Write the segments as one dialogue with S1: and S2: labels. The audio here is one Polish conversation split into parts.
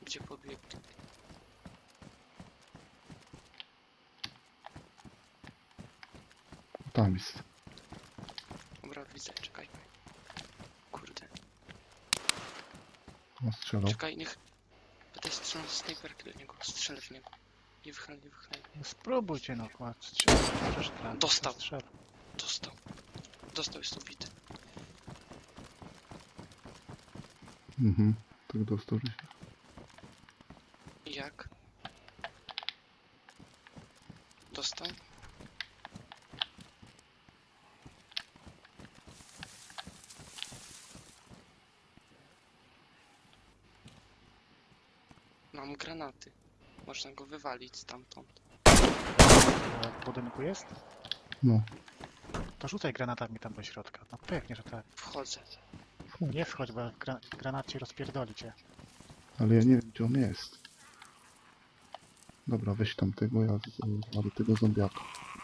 S1: Gdzie pobiegł?
S2: Tam jest.
S1: Dobra, widzę, czekaj. Kurde.
S2: On strzelał.
S1: Czekaj, niech... Będę strzelał z snajperki do niego. Strzelę w niego. Nie wychylaj, nie wychylaj.
S3: No spróbujcie no, kład, strzelać. Przecież trafi,
S1: Dostał.
S3: strzel.
S1: Dostał. Dostał, jest ubity.
S2: Mhm. Tak dostał, że się...
S1: Jak? Dostał? Mam granaty. Można go wywalić stamtąd.
S3: W budynku jest?
S2: No.
S3: To rzucaj granatami tam do środka. No pewnie, że tak.
S1: Wchodzę.
S3: Nie wchodź, bo granat ci rozpierdoli cię.
S2: Ale ja nie wiem, gdzie on jest. Dobra, weź tam tego, ja zwalę tego zombiaka.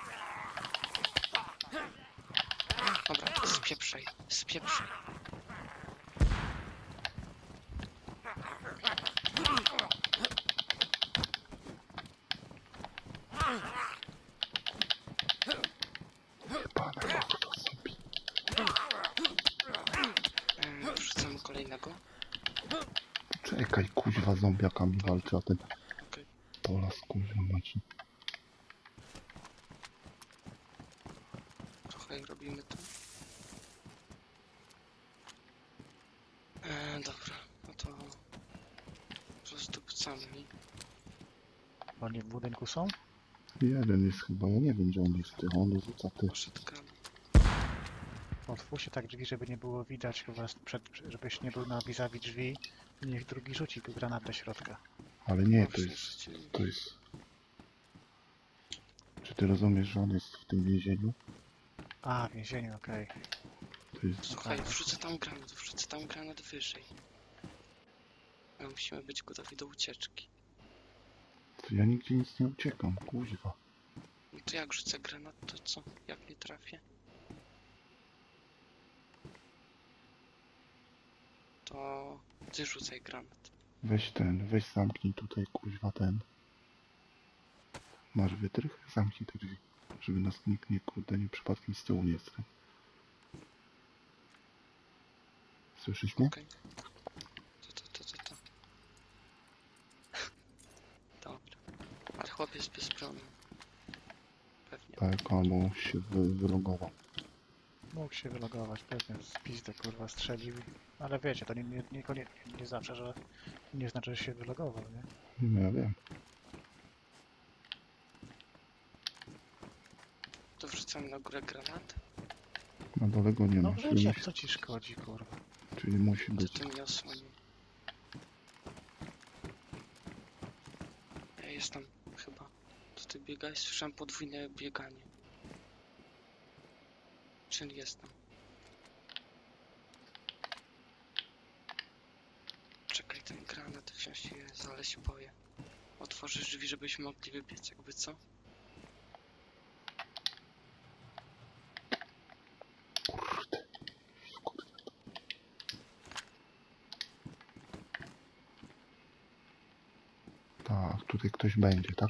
S1: Dobra, spieprzaj. Spieprzaj.
S2: Jebane, jak to zombie.
S1: Wrzucamy kolejnego.
S2: Czekaj, kuźwa, zombiakami walczy, a ten...
S1: Okej.
S2: Polas, kuźwa, macie.
S1: Trochę robimy to. Dobra, no to rozdupcamy.
S3: Oni w budynku są?
S2: Jeden jest chyba, ja nie wiem, gdzie on jest. On rzuca ty.
S1: Poszytkami.
S3: Otwórz się tak drzwi, żeby nie było widać chyba, żebyś nie był na vis-a-vis drzwi. Niech drugi rzuci tu granat do środka.
S2: Ale nie, to
S1: Właśnie
S2: jest...
S1: rzucili.
S2: To jest... Czy ty rozumiesz, że on jest w tym więzieniu?
S3: A, w więzieniu, okej.
S2: To jest...
S1: Słuchaj, wrzucę tam granat wyżej. My musimy być gotowi do ucieczki.
S2: To ja nigdzie nic nie uciekam, kuźwa.
S1: No to jak rzucę granat, to co? Jak nie trafię? To ty rzucaj granat.
S2: Weź zamknij tutaj, kuźwa, ten. Masz wytrych? Zamknij te drzwi. Żeby nas nikt nie, kurde, nie przypadkiem z tyłu nie stał. Słyszysz mnie?
S1: Okej. To. Dobra. Ale chłopiec bez broni. Pewnie.
S2: Tak, albo się wylogował.
S3: Mógł się wylogować, pewnie z pizdy kurwa strzelił. Ale wiecie, to nie zawsze, że nie znaczy, że się wylogował, nie?
S2: No ja wiem.
S1: To wrzucam na górę granat.
S2: Na dole go nie
S3: No
S2: ma, czyli
S3: wiecie,
S2: musi,
S3: co ci szkodzi, kurwa.
S2: czyli musi
S1: To
S2: być.
S1: ty mnie osłonił. Ja jestem chyba. To ty biegałeś? Słyszałem podwójne bieganie. Czyli jestem. Czekaj, ten granat wziąć jest, ale się boję. Otworzysz drzwi, żebyśmy mogli wybiec, jakby co?
S2: Tak, tutaj ktoś będzie, tak?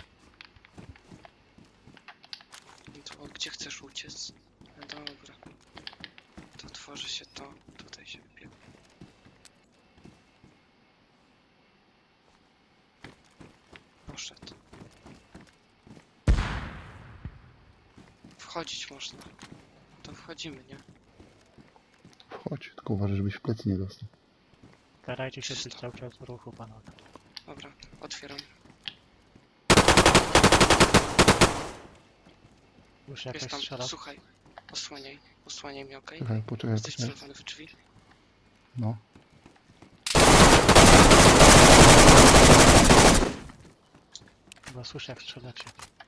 S1: No to gdzie chcesz uciec? No dobra. To otworzy się to. Tutaj się wybiegł. Poszedł. Wchodzić można. To wchodzimy, nie?
S2: Wchodź, tylko uważaj, żebyś w plecy nie dostał.
S3: Starajcie się być
S1: Czysto.
S3: cały czas w ruchu, panowie.
S1: Dobra, otwieram.
S3: Już
S1: Jest
S3: jakaś
S1: tam,
S3: strzela.
S1: słuchaj. Osłaniaj mnie, okej?
S2: Poczekaj,
S1: Jesteś
S2: poczekaj.
S1: celowany w drzwi?
S2: No.
S3: Chyba słyszę jak strzelacie.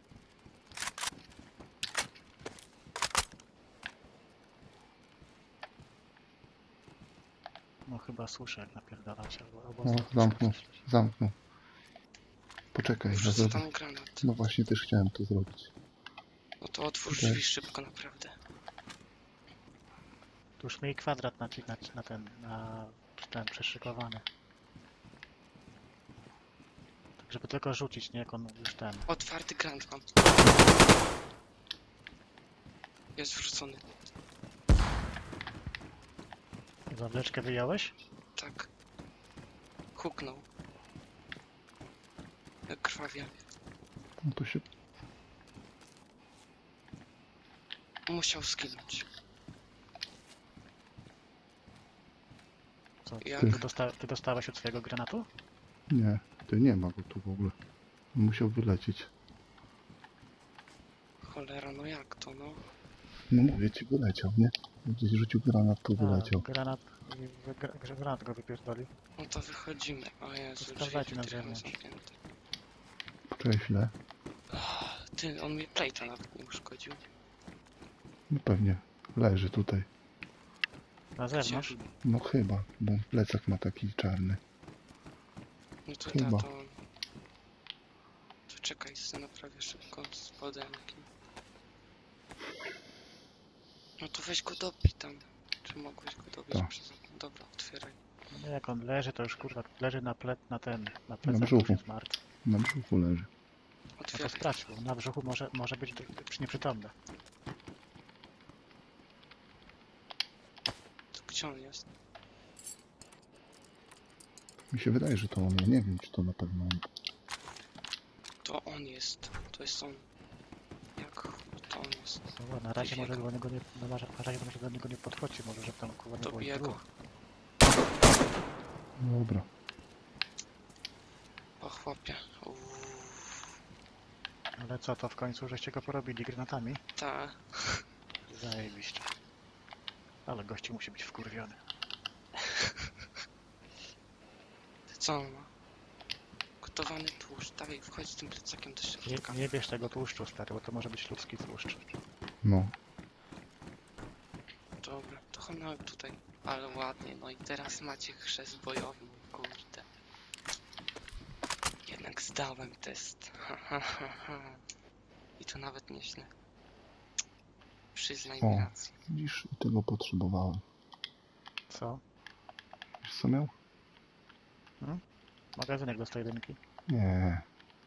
S3: No chyba słyszę jak napierdalacie, albo
S2: No, zamknął. Poczekaj, ja
S1: Wrzucę
S2: zrobię.
S1: tam granat.
S2: No właśnie, też chciałem to zrobić.
S1: No to otwórz
S2: Okej.
S1: drzwi szybko, naprawdę.
S3: Tu już miej kwadrat na ten przeszykowany. Żeby tylko rzucić, nie jak on już ten.
S1: Otwarty grant mam. Jest wrzucony.
S3: Zawleczkę wyjąłeś?
S1: Tak. Huknął. Jak krwawie.
S2: No to się...
S1: Musiał zginąć.
S3: Co?
S1: Ja-
S3: Ty dostałeś od swojego granatu?
S2: Nie, ty nie ma go tu w ogóle. Musiał wylecieć.
S1: Cholera, no jak to, no?
S2: No mówię ci, wyleciał, nie? Gdzieś rzucił granat, to wyleciał.
S3: Granat go wypierdolił.
S1: No to wychodzimy. O Jezu,
S3: To sprawdzajcie na
S1: drzwi
S3: zewnątrz.
S1: zamknięte.
S2: Poczekaj chwilę.
S1: Ty, on mi plejta nawet nie uszkodził.
S2: No pewnie. Leży tutaj.
S3: Na zewnątrz?
S2: No chyba, bo plecak ma taki czarny.
S1: No to
S2: Chyba.
S1: da, to... To czekaj, naprawię szybko z podemki. No to weź go dobij tam. Czy mogłeś go dobić
S2: Tak.
S1: przez okno? Dobra, otwieraj.
S3: No jak on leży, to już kurwa leży na plecach już
S2: brzuchu.
S3: jest martwy.
S2: Na brzuchu leży.
S3: No to
S1: Otwieraj.
S3: sprawdź, bo na brzuchu może być nieprzytomny.
S1: To gdzie on jest?
S2: Mi się wydaje, że to on. Ja nie wiem, czy to na pewno on.
S1: To on jest. To jest on. Jak to on jest?
S3: No, na razie może do niego nie, na razie może do niego nie podchodzi, może żeby tam kurwa nie było
S1: Dobiję
S3: ich
S1: go.
S3: dwóch.
S2: Dobra.
S1: O chłopie.
S3: Ale co to w końcu, żeście go porobili granatami?
S1: Ta.
S3: Zajebiście. Ale gościu musi być wkurwiony.
S1: Co on ma? Gotowany tłuszcz. Dawaj, wchodź z tym plecakiem do środka.
S3: Nie bierz tego tłuszczu, stary, bo to może być ludzki tłuszcz.
S2: No.
S1: Dobra, to chodźmy tutaj. Ale ładnie, no i teraz macie chrzest bojowy, kurde. Jednak zdałem test. Ha, ha, ha, ha. I to nawet nieźle. Przyznaj mi
S2: O.
S1: rację.
S2: Widzisz, i tego potrzebowałem.
S3: Co?
S2: Wiesz co miał?
S3: Magazynek do 101.
S2: Nie.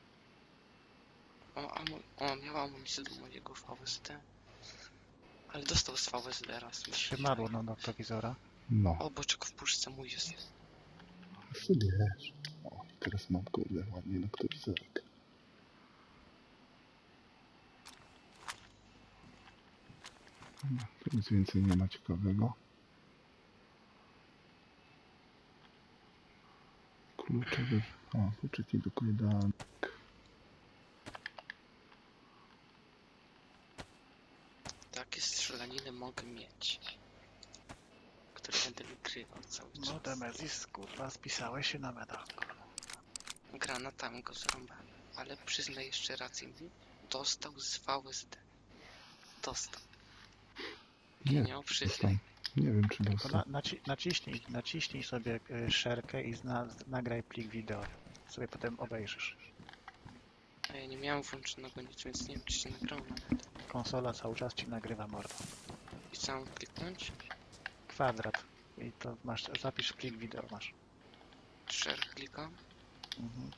S1: O, miała amunicję do mojego VST. Ale dostał z VSD raz. mi się
S3: Trzymadło
S1: wydaje.
S3: na noktowizora.
S2: No.
S1: O, boczek w puszce mój jest.
S2: Sobie wiesz. O, teraz mam kurde ładnie noktowizorek. No, tu nic więcej nie ma ciekawego. Kluczowy... O, kluczyki do kajdanek.
S1: Takie strzelaniny mogę mieć. Które będę wykrywał cały czas.
S3: No Demezis, kurwa, spisałeś się na medal.
S1: Granatami go zrąbałem. Ale przyznaj jeszcze rację mi. Dostał z VSD. Dostał.
S2: Nie,
S1: Nie, przyznaj.
S2: dostał. Nie wiem, czy
S3: To
S2: dostał.
S3: naciśnij sobie szerkę i nagraj plik wideo. Sobie potem obejrzysz.
S1: A ja nie miałem włączonego nic, więc nie wiem, czy się nagrało nawet.
S3: Konsola cały czas ci nagrywa mordo.
S1: I co mam kliknąć?
S3: Kwadrat. I to masz, zapisz plik wideo masz.
S1: Share klikam.
S3: Mhm.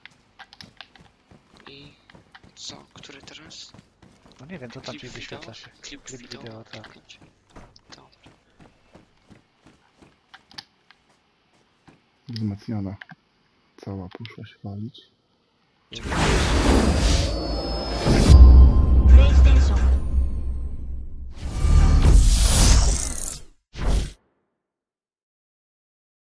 S1: I co? Który teraz?
S3: No nie wiem, co tam
S1: Klip
S3: ci
S1: wideo?
S3: wyświetla się.
S1: Klip
S3: Klip
S1: wideo,
S3: wideo, tak.
S1: kliknąć. Dobra.
S2: Wzmacniana. Cała poszła się walić.
S1: Czekaj.